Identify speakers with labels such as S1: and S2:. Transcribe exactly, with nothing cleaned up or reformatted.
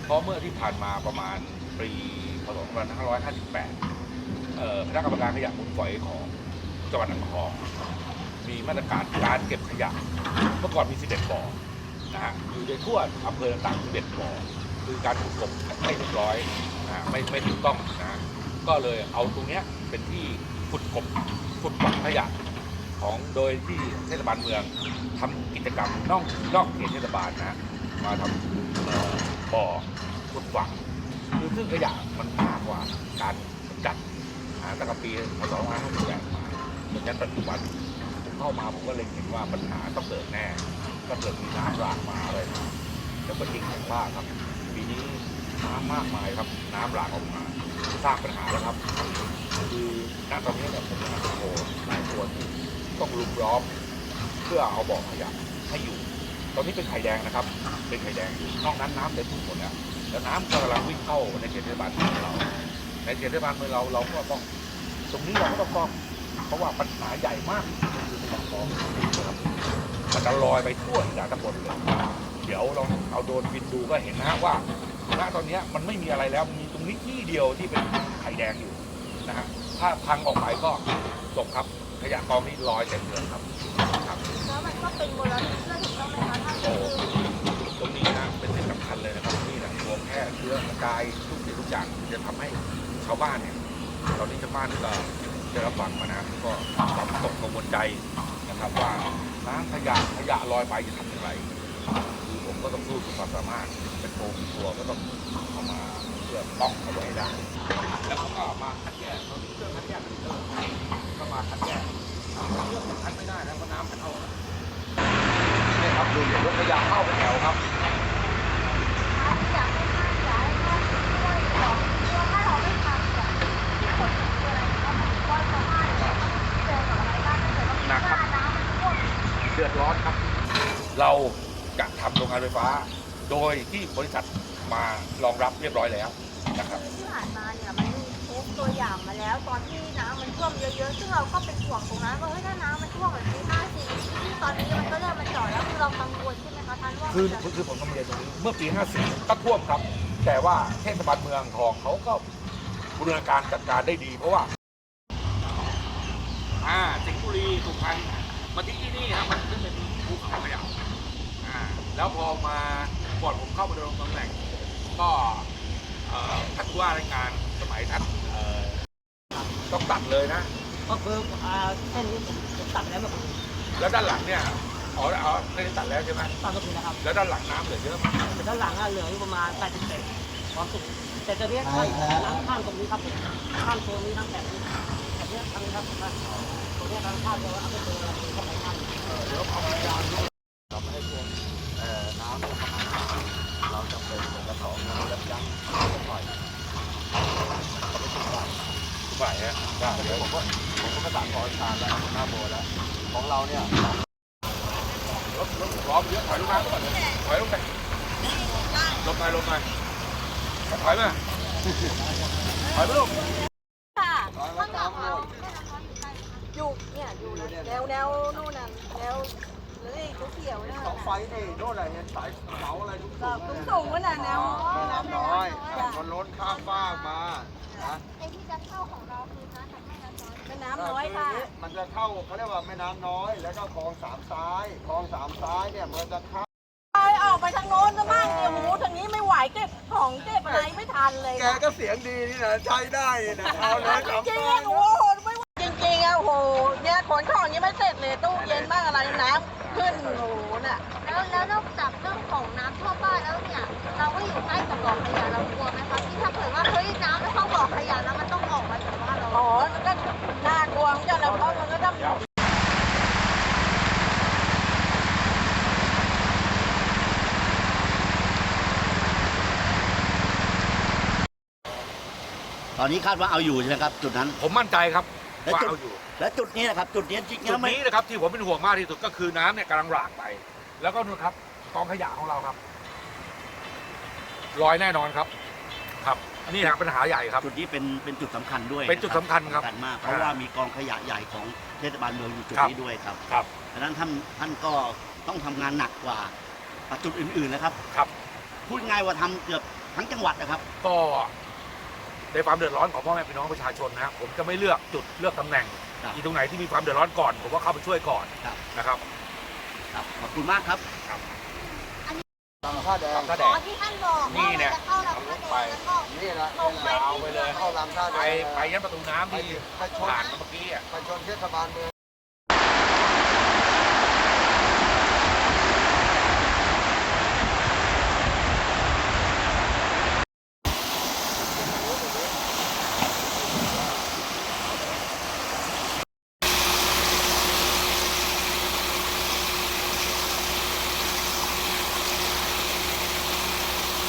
S1: เพราะเมื่อที่ผ่านมาประมาณปีพศสองพันห้าร้อยห้าสิบแปดคณะกรรมการขยะมูลฝอยของจังหวัดอ่างทองมีมาตรการการเก็บขยะเมื่อก่อนมีสิบเอ็ดบ่อนะฮะอยู่ในทั่วอำเภอต่างๆสิบเอ็ดบ่อคือการถูกกบไม่เรียบร้อยนะไม่ไม่ถูกต้องนะก็เลยเอาตรงเนี้ยเป็นที่ขุดกบขุดฝังขยะของโดยที่เทศบาลเมืองทำกิจกรรมนอกนอกเขตเทศบาลนะมาทำบ่อขุดฝังคือซึ่งขยะมันมากกว่าการจัดตั้งแต่ปีพศสองพันห้าร้อยห้าสิบแปดมาจนยันปัจจุบันผมเข้ามาผมก็เลยเห็นว่าปัญหาต้องเกิดแน่ก็เกิดมีน้ำหลากมาเลยแล้วก็จริงอย่างว่าครับปีนี้น้ำมากมายครับน้ำหลากออกมาสร้างปัญหาแล้วครับคือณตอนนี้เนี่ยผมนะโอ้โหหลายคนต้องลุมล้อมเพื่อเอาบ่อขยะให้อยู่ตอนนี้เป็นไข่แดงนะครับเป็นไข่แดงอยู่นอกนั้นน้ำเต็มทุกหมดแล้วแล้วน้ำกำลังวิ่งเข้าในเขตเทศบาลเมืองเราในเขตเทศบาลเมืองเราเราก็ต้องตรงนี้เราก็ต้องป้องเพราะว่าปัญหาใหญ่มากคือปากคลองนะครับมันจะลอยไปทั่วอีสานตำบลเลยเดี๋ยวเราเอาโดรนบินดูก็เห็นนะฮะว่าณตอนนี้มันไม่มีอะไรแล้วมีตรงนี้ที่เดียวที่เป็นไข่แดงอยู่นะฮะถ้าพังออกไปก็จบครับขยะกองนี้ลอยเต็มเมืองครับครับ
S2: แล้วมันก็เป็นมลพิษด้วยถูกต้องไหมคะถ้าเกิด
S1: ตรงนี้นะเป็นสิ่งสำคัญเลยนะครับนี่แหละตัวแพร่เชื้อกระจายทุกสิ่งทุกอย่างจะทำให้ชาวบ้านเนี่ยตอนนี้ชาวบ้านก็ได้รับฟังมานะก็ความตกกังวลใจนะครับว่าน้ำขยะขยะลอยไปจะทำอย่างไรคือผมก็ต้องสู้สุดความสามารถเป็นโปรเป็นตัวก็ต้องเข้ามาเพื่อป้องเอาไว้ได้แล้วก็มาคัดแยกเรามีเครื่องคัดแยกเป็นเครื่องก็มาคัดแยกเครื่องคัดไม่ได้แล้วเพราะน้ำมันเข้านี่ครับดูรถขยะเข้าเป็นแถวครับ
S2: อยากให้ท่านอยากให้ท่านช่วยบอกว่าถ้าเราไม่ทำเนี่ยผลคืออะไรก็มันก็ชาวบ้านเนี่ยเจอกับอะไรบ้างถ้าเกิดว่ามีหน้าน้ำมันท่วม
S1: เดือดร้อนครับเราจะทำโรงงานไฟฟ้าโดยที่บริษัทมารองรับเรียบร้อยแล้วนะครับ
S2: ที่ผ่านมาเนี่ยมันมีเคสตัวอย่างมาแล้วตอนที่น้ำมันท่วมเยอะๆซึ่งเราก็เป็นห่วงตรงนั้นว่าเฮ้ยถ้าน้ำมันท่วมแบบปีห้าสี่ที่ตอนนี้มันก็เริ่มมันจ่อแล้วคือเรากังวลใช่ไหมคะท่านว่า
S1: คือคือผมต้องเรียนตรงนี้เมื่อปีห้าสี่ก็ท่วมครับแต่ว่าเทศบาลเมืองทองเขาก็บูรณาการจัดการได้ดีเพราะว่าอ่าสิงห์บุรีสุพรรณมาที่ที่นี่ครับมันขึ้นเป็นภูเขาขยะอ่าแล้วพอมาก่อนผมเข้ามาดำรงตำแหน่งก็ท่านผู้ว่าราชการสมัยท่านต้องตัดเลยนะ
S3: ก็คือเส้นนี้ผมตัดแล้วแบบ
S1: แล้วด้านหลังเนี่ยอ๋ออ๋อไม่ได้ตัดแล้วใช่ไหม
S3: ตัดก็คือนะครับ
S1: แล้วด้านหลังน้ำเหลือเยอะมาก
S3: แต่ด้านหลังเหลืออยู่ประมาณแปดสิบเซนความสูงแต่ตอนนี้น้ำข้ามตรงนี้ครับข้ามโซนนี้ทั้งแถบนี้แถบนี้ทั้งครับตรงนี้ทางข้ามเราเอาไปเจออะไรเข้าไปข้าม
S1: เดี๋ยวเอายางเราไม่ให้ท่วมน้ำเข้ามาเราจะเป็นกระถางน้ำยับยั้งปล่อยเขาไม่ทิ้งไว้ทุกฝ่ายฮะได้เดี๋ยวผมก็ผมก็ประสานขอการแล้วหน้าโบแล้วของเราเนี่ยรถรถล้อมเยอะถอยลงมาก่อนถอยลงไปลงไปลงไปถอยมาถอยไปลูก
S2: ค่ะข้างหลังเราอยู่เนี่ยอยู่แนวแนวนู่นน่ะแนวเลยเขียวๆนะ
S4: เสาไฟเอ้โน่นอะไรเนี่ยสายเสาอะไรทุก
S2: สูงสูงน่ะแนว
S4: น้ำน้อยมันล้นข้ามฟากมา
S2: ไอ้ที่จะเข้าของเราคือน้ำจากแม่น้ำน้อยแม่น้ำน้อยค่ะ
S4: มันจะเข้าเขาเรียกว่าแม่น้ำน้อยแล้วก็คลองสามซ้ายคลองสามซ้ายเนี่ยมันจะเข้า
S2: ออกไปทางโน้นซะบ้างเนี่ยหูทางนี้ไม่ไหวเก็บของเก็บอะไรไม่ทันเลย
S4: แกก็เสียงดีนี่นะใช้ได้นะเอาเลย
S2: จริงๆโอ้โหไม่จริงๆอ่ะโหเนี่ยขนของยังไม่เสร็จเลยตู้เย็นบ้างอะไรน้ำขึ้นโอ้โหน่ะแล้วแล้วนอกจากเรื่องของน้ำท่วมบ้านแล้วเนี่ยเราก็อยู่ใกล้กับบ่อขยะเรากลัวไหมคะที่ถ้าเกิดว่าเฮ้ยน้ำไม่เข้าบ่อขยะแล้วมันต้องออกมาจากบ้านเราอ๋อก็น่ากลัวเหมือนกันนะเพราะมันก็ต้อง
S5: ตอนนี้คาดว่าเอาอยู่ใช่ไหมครับจุดนั้น
S1: ผมมั่นใจครับว่าเอาอยู่
S5: และจุดนี้นะครับจุดนี้จริงๆ
S1: จุดนี้นะครับที่ผมเป็นห่วงมากที่สุดก็คือน้ำเนี่ยกำลังหลากไปแล้วก็นู่นครับกองขยะของเราครับลอยแน่นอนครับครับนี่นะปัญหาใหญ่ครับ
S5: จุดนี้เป็นเป็นจุดสำคัญด้วย
S1: เป็นจุดสำคัญครับ
S5: สำคัญมากเพราะว่ามีกองขยะใหญ่ของเทศบาลเมืองอยู่จุดนี้ด้วยครับ
S1: ครับ
S5: ดังนั้นท่านท่านก็ต้องทำงานหนักกว่าจุดอื่นๆนะครับ
S1: ครับ
S5: พูดง่ายว่าทำเกือบทั้งจังหวัดนะครับ
S1: ก็ในความเดือดร้อนของพ่อแม่พี่น้องประชาชนนะผมจะไม่เลือกจุดเลือกตำแหน่ง
S5: ครับ
S1: ที่ตรงไหนที่มีความเดือดร้อนก่อนผมก็เข้าไปช่วยก่อน
S5: ครับ
S1: นะครับ
S5: ครับขอบคุณมากครับ
S4: ลำท่าแดง
S1: ลำท่าแด
S2: อ๋อง ที่ท่านบอก
S1: นี่
S2: ว่า
S1: เนี่ย
S2: จะเข้าลำท่าแดงแล้วก็
S4: นี่แหละ
S2: ตรงไป
S1: ยาวไปเลย
S4: เข้าลำท่าแด
S1: ไป
S4: ง
S1: ไปยันประตูน้ำที่
S4: ไปชน
S1: ผ่านมาเมื่อกี้อ่ะ
S4: ไปชนเทศบาลเมือง